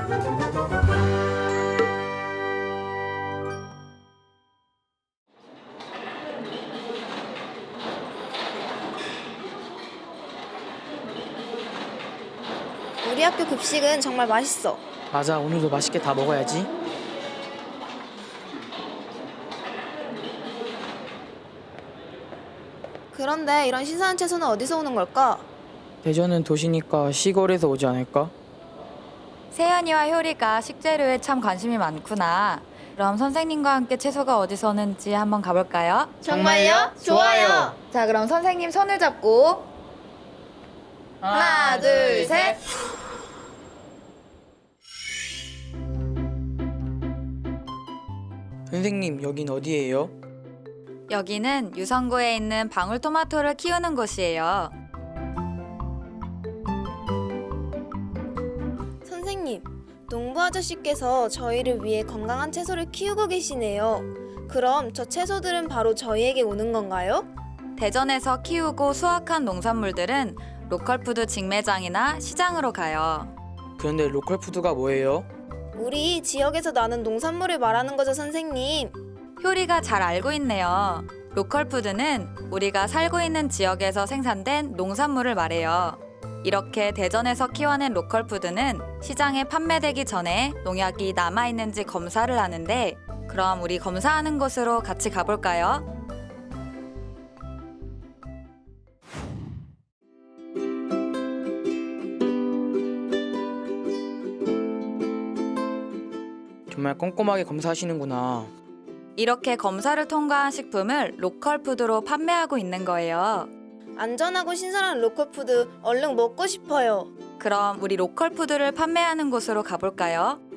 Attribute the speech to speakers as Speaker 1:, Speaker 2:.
Speaker 1: 우리 학교 급식은 정말 맛있어.
Speaker 2: 맞아, 오늘도 맛있게 다 먹어야지.
Speaker 1: 그런데 이런 신선한 채소는 어디서 오는 걸까?
Speaker 2: 대전은 도시니까 시골에서 오지 않을까?
Speaker 3: 세연이와 효리가 식재료에 참 관심이 많구나. 그럼 선생님과 함께 채소가 어디서 오는지 한번 가볼까요?
Speaker 1: 정말요? 좋아요.
Speaker 3: 자, 그럼 선생님 손을 잡고 하나, 둘, 셋.
Speaker 2: 선생님, 여긴 어디예요?
Speaker 3: 여기는 유성구에 있는 방울토마토를 키우는 곳이에요.
Speaker 1: 선생님, 농부 아저씨께서 저희를 위해 건강한 채소를 키우고 계시네요. 그럼 저 채소들은 바로 저희에게 오는 건가요?
Speaker 3: 대전에서 키우고 수확한 농산물들은 로컬푸드 직매장이나 시장으로 가요.
Speaker 2: 그런데 로컬푸드가 뭐예요?
Speaker 1: 우리 지역에서 나는 농산물을 말하는 거죠, 선생님.
Speaker 3: 효리가 잘 알고 있네요. 로컬푸드는 우리가 살고 있는 지역에서 생산된 농산물을 말해요. 이렇게 대전에서 키워낸 로컬푸드는 시장에 판매되기 전에 농약이 남아있는지 검사를 하는데, 그럼 우리 검사하는 곳으로 같이 가볼까요?
Speaker 2: 정말 꼼꼼하게 검사하시는구나.
Speaker 3: 이렇게 검사를 통과한 식품을 로컬푸드로 판매하고 있는 거예요.
Speaker 1: 안전하고 신선한 로컬푸드 얼른 먹고 싶어요.
Speaker 3: 그럼 우리 로컬푸드를 판매하는 곳으로 가볼까요?